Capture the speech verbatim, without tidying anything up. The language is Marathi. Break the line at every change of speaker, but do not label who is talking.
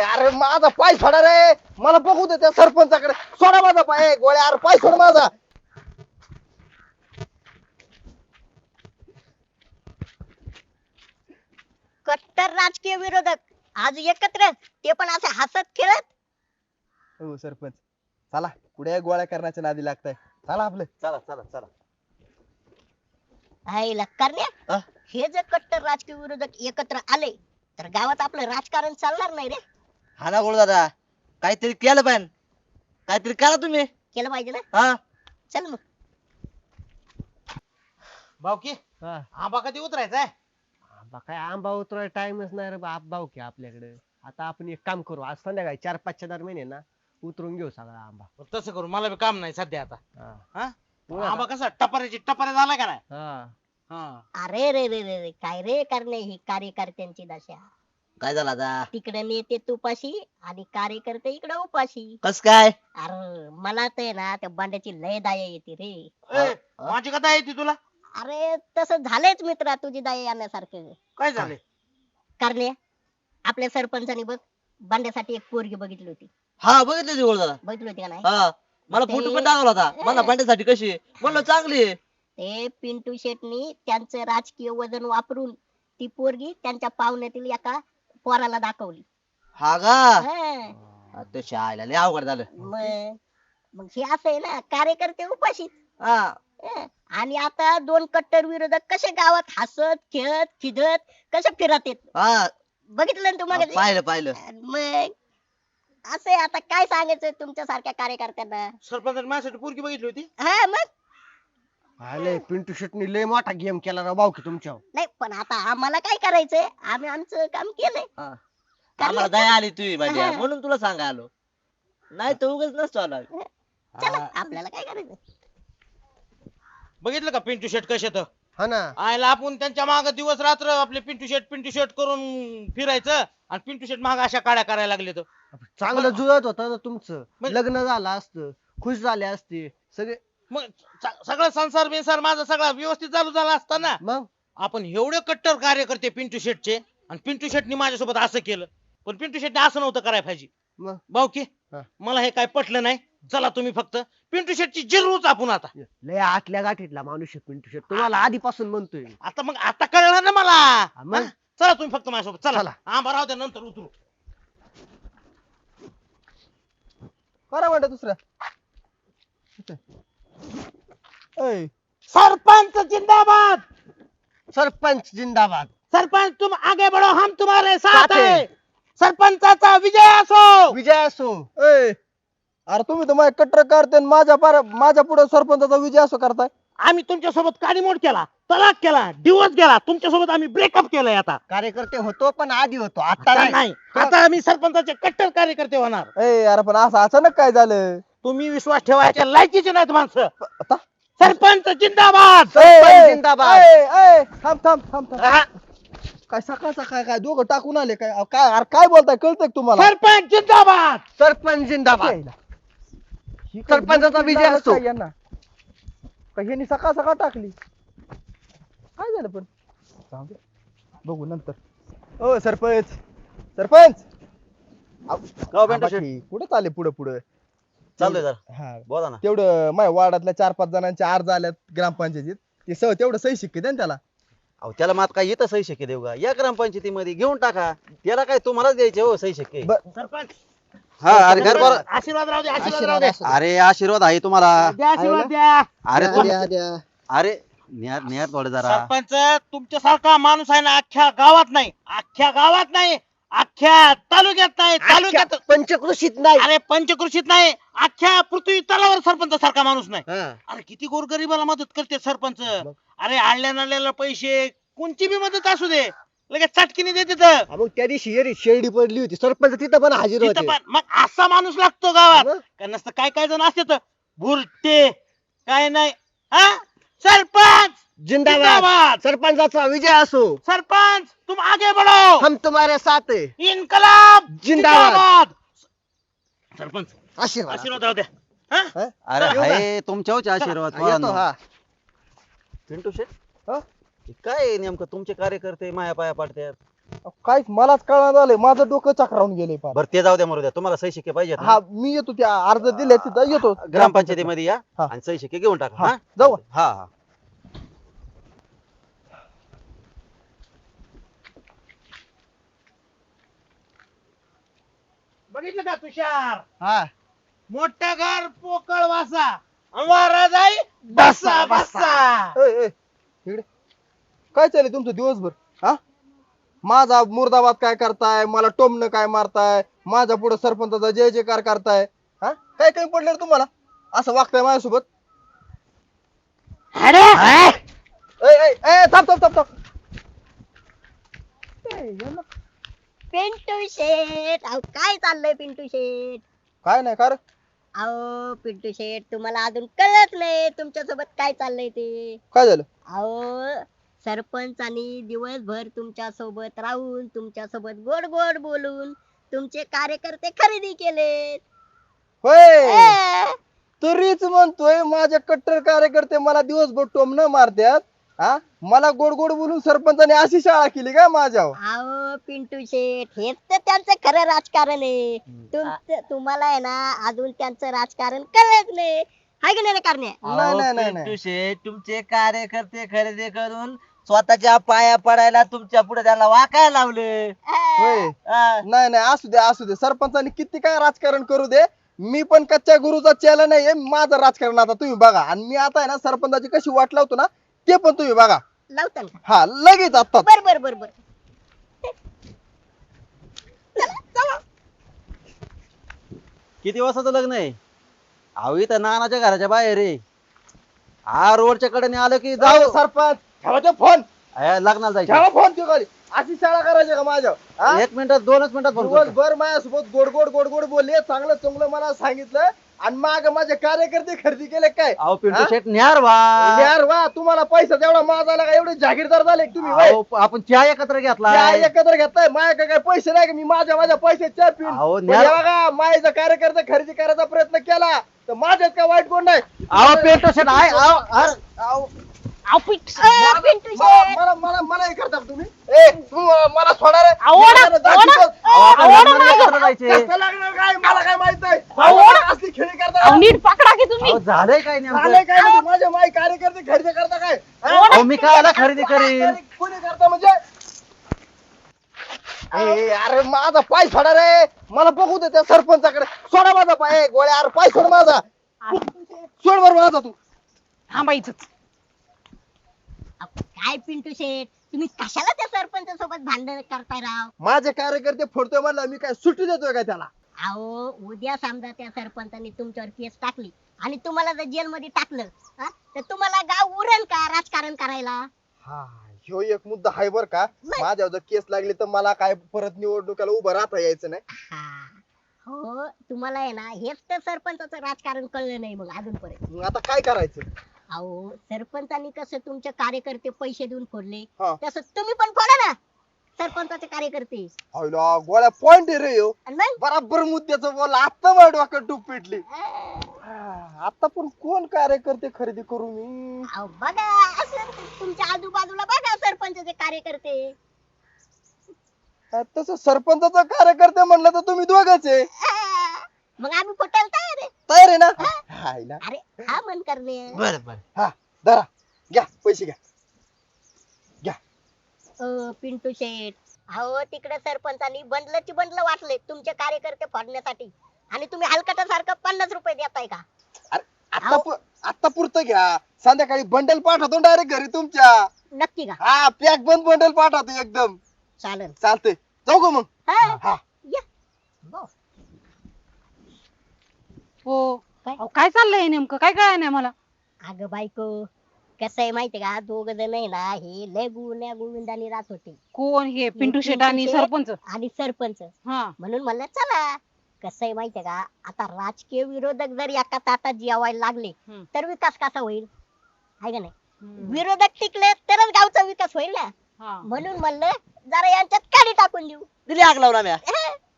अरे माझा पाय सोडा रे, मला बघू दे त्या सरपंचाकडे. सोडा माझा पाय गोळ्या, अरे पाय सोड माझा.
कट्टर राजकीय विरोधक आज एकत्र, ते पण असे हसत खेळत.
हो सरपंच, चला पुढे गोळ्या करण्याच्या नादी लागताय. चला आपलं.
चला चला चला.
आईला करण्या,
हा?
हे जर कट्टर राजकीय विरोधक एकत्र आले तर गावात आपलं राजकारण चालणार नाही रे.
हा ना गोळ दादा, काहीतरी केलं पाहिजे, काहीतरी करा तुम्ही.
केलं पाहिजे ना.
हा
चल मग.
भाऊकी
हा.
आंबा कधी उतरायचा
आंबा काय आंबा उतराय टाइमच नाही रे बाप भाऊ की आपल्याकडे. आता आपण एक काम करू, आज संध्याकाळी चार पाचच्या दरम्यान आहे ना उतरून घेऊ सगळा आंबा.
तसं करू, मला बी काम नाही सध्या आता.
हा.
हा
बोला
आंबा कसा टपाऱ्याची टपाऱ्या झाला का नाही.
हा.
हा
अरे रे रे रे रे, काय रे करणे, ही कार्यकर्त्यांची दशा.
काय झालं आता?
तिकडे नेते तुपाशी आणि कार्यकर्ते इकडे उपाशी.
कस काय?
अरे मला तर आहे ना त्या बांड्याची लय दया येते रे.
ए, माझी कथा येते तुला.
अरे तसं झालंच मित्रा, तुझी दया येण्यासारखं.
काय झाले?
करणे, आपल्या सरपंचानी बघ बांड्यासाठी एक पोरगी बघितली होती.
हा बघितलं गोळ दादा.
बघितली होती का नाही?
हा मला फोटो पण दाखवला होता. मला भांड्यासाठी कशी आहे? म्हणलं चांगली आहे.
ते पिंटू शेटनी त्यांचं राजकीय वजन वापरून ती पोरगी त्यांच्या पाहुण्यातील एका पोराला दाखवली.
हा का?
हा.
ते शाळेला लय अवघड झालं.
मग मग हे असं आहे ना, कार्यकर्ते उपाशी.
हा
हं. आणि आता दोन कट्टर विरोधक कसे गावात हसत खेळत खिदत कसे फिरत येत
हा
बघितलं ना तुम्हाला.
पाहिलं पाहिलं.
मग असं आहे, आता काय सांगायचं तुमच्या सारख्या कार्यकर्त्यांना.
सरपंचाने माझ्यासाठी पोरगी बघितली होती.
हा मग
आले पिंटू शेटनी लय मोठा गेम केला राव भाऊ की तुमच्या.
नाही, पण आता आम्हाला काय करायचंय, आम्ही आमचं काम केलंय.
हा. आम्हाला दया आली तुझी भांड्या म्हणून तुला सांगा आलो, नाही तर उगाच नसतो आला.
चला आपल्याला काय करायचं.
बघितलं का पिंटू शेट कसे तर
हा ना.
आयला आपण त्यांच्या माग दिवस रात्र आपले पिंटू शेट पिंटू शेट करून फिरायचं आणि पिंटू शेट माग अशा काड्या करायला लागले तर.
चांगलं जुळत होतं ना तुमचं,
मग-
लग्न झालं असतं, खुश झाले असते सगळे.
मग स- सगळं संसार बिंसार माझा सगळा व्यवस्थित चालू झाला असता ना.
मग
आपण एवढे कट्टर कार्यकर्ते पिंटू शेटचे, आणि पिंटू शेटनी माझ्यासोबत असं केलं, पण पिंटू शेटने असं नव्हतं करायला पाहिजे.
मग
भाऊ की
हा.
मला हे काय पटलं नाही. चला तुम्ही फक्त पिंटू शेटची जिरूच आपण आता.
लय आतल्या गाठीतला माणूस आहे पिंटू शेट, तुम्हाला आधीपासून म्हणतोय.
आता मग आता कळलं ना मला.
मग?
हा? चला तुम्ही फक्त माझ्यासोबत चला.
चला.
आंबा राहू द्या, नंतर उतरू.
करा म्हणता दुसऱ्या. ऐ,
सरपंच जिंदाबाद.
सरपंच जिंदाबाद.
सरपंच तुम आगे बढ़ो, हम तुम्हारे साथ
साथ
है.
है.
सरपंचाचा विजय असो.
विजय असो.
ऐ, अरे तुम्ही तर माझ्या कट्टर करते आणि माझ्या पार माझ्या पुढे सरपंचाचा विजय असं करताय.
आम्ही तुमच्या सोबत काडीमोड केला, तलाक केला, डिवोर्स केला, तुमच्या सोबत आम्ही ब्रेकअप केलंय. आता
कार्यकर्ते होतो पण आधी होतो, आता
आता
नाही.
नाही. आता आम्ही सरपंचाचे कट्टर कार्यकर्ते होणार.
ए अरे पण असं अचानक काय झालं?
तुम्ही विश्वास ठेवायच्या लायकीचे नाहीत माणसं.
आता
सरपंच जिंदाबाद.
सरपंच
ए,
जिंदाबाद.
ए, ए, थांब थांब थांब थांब.
हा.
काय सकाळ सकाळ काय दोघं टाकून आले काय? अहो, काय अरे काय बोलताय, कळतंय का तुम्हाला?
सरपंच जिंदाबाद.
सरपंच जिंदाबाद.
ही काय
सरपंचाचा
गोष्ट
विजय
लागत
असतो.
काय यांना? का ह्यांनी सकाळ सकाळ टाकली? काय झालं पण? जाऊ दे, बघू नंतर. ओ सरपंच, सरपंच अहो,
गाव
थांबा
पिंटू
की, कुठं चालले पुढे पुढे?
चाललोय जरा.
हा,
बोला ना.
तेवढं माझ्या वार्डातल्या चार पाच जणांचे अर्ज आल्यात ग्रामपंचायतीत, ते सह तेवढं सही शिक्के द्या ना त्याला.
अहो त्याला मात काय येतं सही शक्य देऊ का? या ग्रामपंचायतीमध्ये घेऊन टाका. त्याला काय तुम्हालाच द्यायचे हो सही शक्य.
ब-
सरपंच
हा अरे घर बरं.
आशीर्वाद राहू दे, आशीर्वाद राहू
आशीर्वाद
दे.
असू दे.
अरे आशीर्वाद आहे तुम्हाला.
द्या आशीर्वाद द्या.
अरे
द्या,
तुम
द्या, द्या.
अरे न्या न्या थोडे जरा.
सरपंच तुमच्यासारखा माणूस आहे ना अख्ख्या गावात नाही, अख्ख्या गावात नाही, अख्ख्या तालुक्यात नाही, तालुक्यात
पंचकृषीत नाही.
अरे पंचकृषीत नाही, अख्ख्या पृथ्वी तलावर सरपंच सारखा माणूस नाही.
हा.
अरे किती गोरगरिबाला मदत करते सरपंच. अरे आणल्या नाल्याला पैसे, कोणची बी मदत असू दे, लगेच चटकीने देते तर.
हा, मग त्या दिवशी येरी शेरडी पडली होती, सरपंच तिथं पण हजर
तिथं
होते.
पण मग असा माणूस लागतो गावात.
मग?
का नसतं काय काय जण असते तर भुरटे काय नाही. हा सरपंच
जिंदाबाद.
जिंदाबाद.
सरपंचाचा विजय असो.
सरपंच तुम आगे बढ़ो,
हम तुम्हारे साथ है.
इनकलाब
जिंदाबाद.
सरपंच
आशीर्वाद.
आशीर्वाद राहू द्या. हा?
अरे
येऊ का?
हाय तुमच्यावरचे आशीर्वाद.
हा, येतो. हा.
पिंटू शेट
हा?
हे काय नेमकं तुमचे कार्यकर्ते माया पाया पाडतात?
काहीच मलाच कळणार झालंय, माझं डोकं चक्रावून गेलंय फार.
बरं ते जाऊ द्या मरू द्या, तुम्हाला सही शिक्के पाहिजेत ना?
हा मी येतो, त्या अर्ज दिले तिथं येतो
ग्रामपंचायतीमध्ये या
हा.
आणि सही शिक्के घेऊन टाका.
हा,
हा
जाऊ.
हा हा
बघितलं का तुषार,
हा
मोठं घर पोकळ वासा वारा जाई बसा बसा.
ए, ए, इकडे काय चाललंय तुमचं दिवसभर? हा माझा मुर्दाबाद काय करताय, मला टोमणं काय मारताय, माझ्या पुढे सरपंचाचा जय जयकार करताय. हा काय काही पडलं रे तुम्हाला, असं वागताय माझ्यासोबत? ए, ए, ए, थांब थांब थांब थांब. ए, यांना
पिंटू शेट, अहो काय चाललंय पिंटू शेट?
काय नाही का रे?
अहो पिंटू शेट, तुम्हाला अजून कळत नाही तुमच्या सोबत काय चाललंय ते.
काय झालं?
अहो सरपंचानी दिवसभर तुमच्या सोबत राहून तुमच्या सोबत गोड गोड बोलून तुमचे कार्यकर्ते खरेदी केलेत.
होय,
अं,
तरीच म्हणतोय माझे कट्टर कार्यकर्ते मला दिवसभर टोमणं मारत्यात. हा मला गोड गोड बोलून सरपंचाने अशी शाळा केली का माझ्यावर?
अहो पिंटू शेट, हेच तर त्यांचं खरं राजकारण आहे. तुमचं तुम्हाला आहे ना अजून त्यांचं राजकारण कळत नाही, हाय की नाही रे कारण्या?
नाही नाही नाही नाही.
पिंटू शेठ, तुमचे कार्यकर्ते खरेदी करून स्वतःच्या पाया पडायला तुमच्या पुढे त्याला वाकायला लावले.
होय,
हा.
नाही नाही असू दे असू दे, सरपंचानी किती काय राजकारण करू दे, मी पण कच्च्या गुरुचा चेला नाहीये. माझं राजकारण आता तुम्ही बघा, आणि मी आता आहे ना सरपंचाची कशी वाट लावतो ना ते पण तुम्ही बघा.
लावताल का?
हा लगेच आता.
बर बर बर बर.
किती वाजताचं लग्न आहे? अहो इथं नानाच्या घराच्या बाहेर आहे. हा रोडच्या कडेने आलं की
जाऊ
जाऊ.
सरपंच, ठेवा ते फोन,
अय, लग्नाला जायचं.
ठेवा फोन ते खाली. अशी शाळा करायची का माझ्यावर? हा?
एक मिनिटात दोनच मिनिटात फोन करतो.
दिवसभर माझ्यासोबत गोड गोड गोड गोड बोलले, चांगलं चांगलं मला सांगितलं, आणि माग माझे कार्यकर्ते खरेदी केले काय?
अहो पिंटू
हा?
शेट न्यार वा.
यार वा, तुम्हाला पैसा तेवढा माझा का? एवढे जागीरदार झाले का तुम्ही? वय.
अहो, आपण चहा एकत्र घेतला.
चहा एकत्र घेताय, माझ्याकडे काय पैसे नाही का? मी माझ्या माझ्या पैसे चहा पिऊन
अहो,
पण
न्या-
हे बघा, माझ्या कार्यकर्ते खरेदी करायचा प्रयत्न केला तर माझ्यात काय वाईट कोण नाही.
अहो पिंटू शेट आहे. अहो, अरे,
अहो,
अ, पिंटू शेट,
मला मला मला मला हे करता का तुम्ही? ए तू मला सोडा रे.
ओढा,
मला दाखवतो.
अहो, आपण लग्नाला एकत्र जायचे.
कसं लागणार काय मला काय माहित नाही.
ओढा.
असली खेळी करता
नीट पकडा की तुम्ही.
अहो, झालंय काय
झालंय
नेमकं?
काय म्हणजे माझ्या माई कार्यकर्ते खरेदी करता काय? हा?
अहो मी काय खरेदी करीन?
कोणी करता म्हणजे? ए, अरे माझा पाय सोडा रे, मला बघू दे त्या सरपंचाकडे. सोडा माझा पाय. ए, गोळ्या, अरे पाय सोड माझा. सोड बरं माझा तू.
थांबायचं. काय पिंटू शेट, तुम्ही कशाला त्या सरपंच सोबत भांडण करताय राव?
माझे कार्यकर्ते फोडतोय म्हणलं, मी काय सुट्टी देतोय काय त्याला?
अहो उद्या समजा त्या सरपंचाने तुमच्यावर केस टाकली आणि तुम्हाला जर जेल मध्ये टाकलं, हा, तर तुम्हाला गाव उरण का राजकारण करायला?
हा ह्यो एक मुद्दा आहे बर का.
नाही.
माझ्यावर जर केस लागली तर मला काय परत निवडणुकीला उभं राहता यायचं नाही.
हा. हो तुम्हाला आहे ना हेच तर सरपंचाचं राजकारण कळलं नाही मग अजूनपर्यंत.
मग आता काय करायचं?
अहो सरपंचांनी कसं तुमचे कार्यकर्ते पैसे देऊन फोडले,
हा.
तसं तुम्ही पण फोडा ना सरपंचाचे कार्यकर्ते.
हायला, गोळ्या पॉइंट आहे रे ह्यो.
आणि मग
बराबर मुद्द्याचं बोल. आता माझ्या डोक्यात टूप पेटली.
अं,
हा, आता पण कोण कार्यकर्ते खरेदी करू मी?
अहो बघा असं तुमच्या आजूबाजूला बघा सरपंचाचे कार्यकर्ते.
हा, तसं सरपंचाचा कार्यकर्ते म्हणलं तर तुम्ही दोघच आहे.
अं, मग आम्ही फुटायला तयार आहे.
तयार आहे ना? हायला.
अरे हा मन करणे.
बर बर.
हा धरा, घ्या पैसे घ्या.
अ, पिंटू शेठ, अहो तिकडे सरपंचांनी बंडलची बंडल वाटले तुमचे कार्यकर्ते फोडण्यासाठी आणि तुम्ही हलकटासारखं पन्नास रुपये देताय का?
आता
अहो.
पु- आता पुरतं घ्या. संध्याकाळी बंडल पाठवतो डायरेक्ट घरी तुमच्या.
नक्की का?
हा पॅक बंद बंडल पाठवतो एकदम.
चालेल.
चालतंय, जाऊ का मग?
हा,
हा.
या.
हो
काय?
अहो, काय चाललंय नेमकं, काय कळलं नाही मला.
अगं बायको, कसं आहे माहितीये का, दोघ जण आहे ना हे लय गुण्या गोविंदाने राहत होते
कोण हे पिंटू शेट आणि
शेट.
सरपंच?
आणि सरपंच.
हा
म्हणून म्हणलं चला. कसं आहे माहितीये का, आता राजकीय विरोधक जर एका ताटात जेवायला लागले
हम्म.
तर विकास कसा होईल? आहे का नाही?
हम्म.
विरोधक टिकले तरच गावचा विकास होईल ना.
हा.
म्हणून म्हणलं जरा यांच्यात काडी टाकून देऊ.
दिली आग लावून आम्ही.
अह,